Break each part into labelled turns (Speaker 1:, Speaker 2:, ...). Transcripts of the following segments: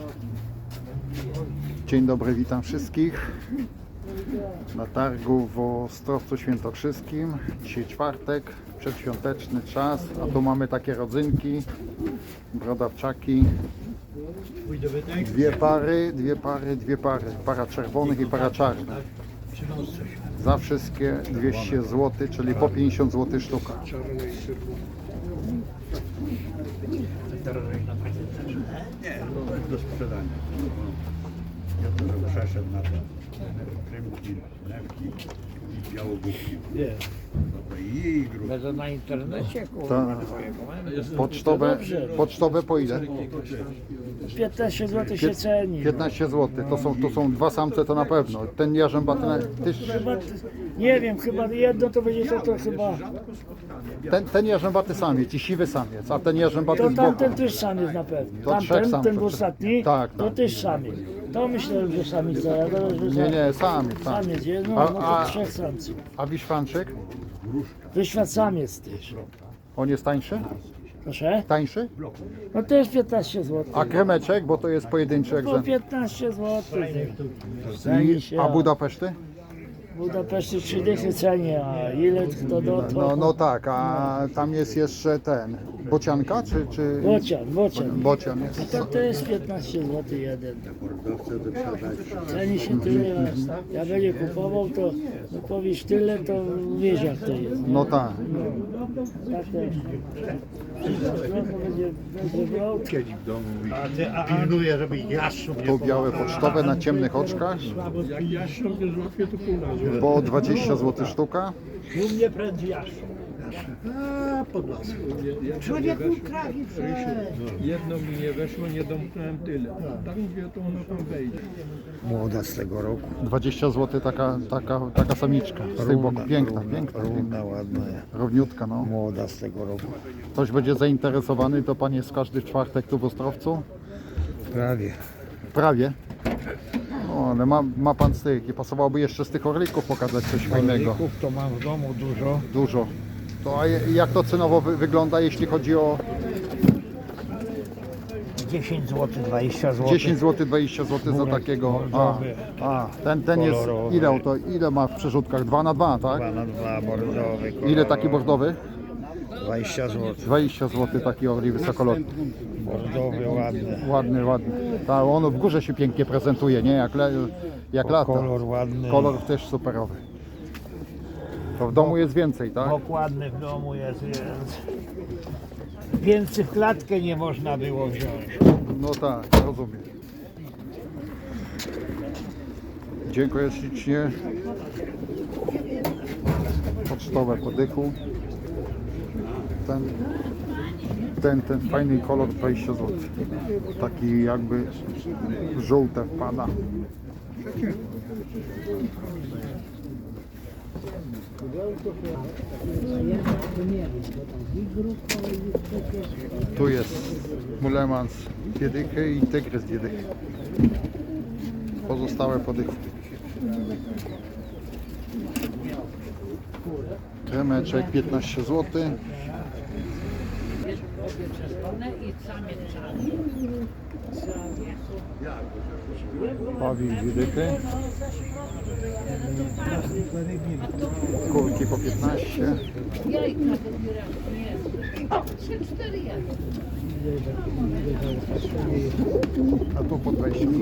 Speaker 1: Dzień dobry, witam wszystkich na targu w Ostrowcu Świętokrzyskim. Dzisiaj czwartek, przedświąteczny czas, a tu mamy takie rodzynki, brodawczaki. Dwie pary, para czerwonych i para czarnych. Za wszystkie 200 zł, czyli po 50 zł sztuka.
Speaker 2: Nie, do sprzedania. Ja to przeszedł na to. Krymki, lewki i białogórki.
Speaker 3: Nie.
Speaker 2: I grób.
Speaker 3: Będę na internecie, kurwa.
Speaker 1: Pocztowe po ile?
Speaker 3: 15 zł się ceni.
Speaker 1: 15 zł. To są dwa samce, to na pewno. Ten jarzębaty też.
Speaker 3: Chyba, nie wiem, chyba jedno to będzie to chyba.
Speaker 1: Ten jarzębaty samiec i siwy samiec, a ten jarzębaty
Speaker 3: To
Speaker 1: z boku.
Speaker 3: tamten też samiec na pewno.
Speaker 1: To trzech
Speaker 3: Tamten,
Speaker 1: samców.
Speaker 3: ten ostatni,
Speaker 1: Tak,
Speaker 3: to
Speaker 1: tak.
Speaker 3: też samiec. To myślę, że samica, ja teraz, że
Speaker 1: Nie, samiec.
Speaker 3: samiec jest, no,
Speaker 1: A-
Speaker 3: no
Speaker 1: a-
Speaker 3: to trzech samców.
Speaker 1: A wiszwanczyk?
Speaker 3: Wyświat samiec też.
Speaker 1: On jest tańszy?
Speaker 3: Proszę?
Speaker 1: Tańszy?
Speaker 3: No też 15 zł.
Speaker 1: A kremeczek, bo to jest pojedynczy
Speaker 3: Po
Speaker 1: egzemplarz.
Speaker 3: 15 zł. Ceni się.
Speaker 1: A Budapeszty?
Speaker 3: W Budapeszcie 3 dychy ceni, a ile to do to?
Speaker 1: No tak, a tam jest jeszcze ten. Bocianka czy...
Speaker 3: Bocian.
Speaker 1: Bocian jest.
Speaker 3: To jest 15 zł jeden.
Speaker 2: Mordowce do sprzedania.
Speaker 3: Ceni się tyle, ja będzie kupował, to no powiesz tyle, to wiesz jak to jest.
Speaker 1: No tak.
Speaker 3: Tak to będzie brał.
Speaker 2: Siedzi w domu i
Speaker 4: Pilnuję, żeby jastrząb
Speaker 1: Tu białe pocztowe na ciemnych oczkach.
Speaker 4: jak jastrząb nie złapie, to pół razu.
Speaker 1: Po 20 zł sztuka.
Speaker 4: U mnie prędzej jastrząb. A, pod lasem. Człowieku trafi
Speaker 5: Jedno mi nie weszło, nie domknąłem tyle. Tam gdzie to ono tam wejdzie.
Speaker 4: Młoda z tego roku.
Speaker 1: 20 zł taka samiczka. Z tych boków. Piękna.
Speaker 4: Równa, ładna.
Speaker 1: Równiutka, no.
Speaker 4: Młoda z tego roku.
Speaker 1: Ktoś będzie zainteresowany, to pan jest każdy czwartek tu w Ostrowcu?
Speaker 4: Prawie.
Speaker 1: Prawie. O, ale ma pan z tych, nie pasowałoby jeszcze z tych orlików pokazać coś fajnego.
Speaker 4: Orlików to mam w domu dużo.
Speaker 1: Dużo. To a jak to cenowo wygląda, jeśli chodzi o
Speaker 4: 10 zł, 20 zł.
Speaker 1: 10 zł, 20 zł za takiego?
Speaker 4: bordowy.
Speaker 1: Ten jest,
Speaker 4: Kolorowy.
Speaker 1: ile ma w przerzutkach? 2 na 2, tak?
Speaker 4: 2 na 2, bordowy.
Speaker 1: Ile taki bordowy?
Speaker 4: 20 zł.
Speaker 1: 20 zł taki orli wysokolotny.
Speaker 4: Bordowy, ładny.
Speaker 1: Ładny. Ta, on w górze się pięknie prezentuje, nie? Jak lata.
Speaker 4: Kolor ładny.
Speaker 1: Kolor też superowy. To w domu jest więcej, tak?
Speaker 4: Dokładny w domu jest, więc więcej w klatkę nie można było wziąć.
Speaker 1: No tak, rozumiem. Dziękuję ślicznie. Pocztowe po dychu. Ten fajny kolor 20 zł. Taki jakby żółte wpada. Tu jest mulemans 2 dychy i tygrys 2 dychy. Pozostałe po dychu. Kremeczek 15 zł. Pawik 2 dychy. Kurki po 15.
Speaker 6: Jajka dobieram, nie. 3-4 jajka.
Speaker 1: A tu po 20 zł.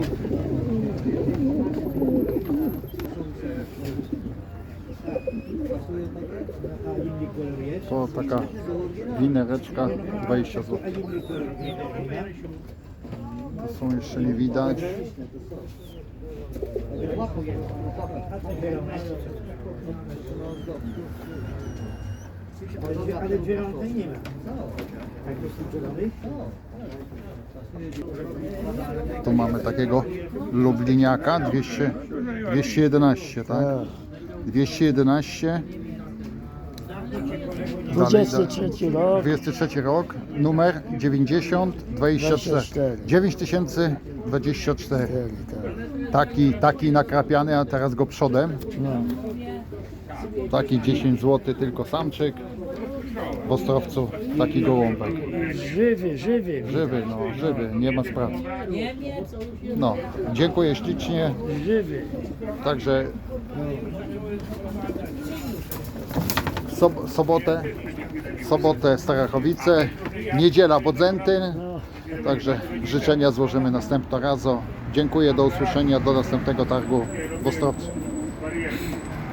Speaker 1: To taka winereczka 20 zł. To są jeszcze nie widać.
Speaker 4: Ale dziewiątej nie ma. Jak to sprzedany?
Speaker 1: Tu mamy takiego lubliniaka 211, tak? 211.
Speaker 3: 23 rok.
Speaker 1: 23 rok, numer 9024. 9024. Taki nakrapiany, a teraz go przodem.
Speaker 3: No.
Speaker 1: Taki 10 zł tylko samczyk. W Ostrowcu taki gołąbek.
Speaker 3: Żywy, żywy.
Speaker 1: Żywy, no, żywy, nie ma sprawy. No, dziękuję ślicznie.
Speaker 3: Żywy.
Speaker 1: Także sobotę Starachowice, niedziela Bodzentyn. Także życzenia złożymy następnego razu. Dziękuję, do usłyszenia, do następnego targu w Ostrowcu.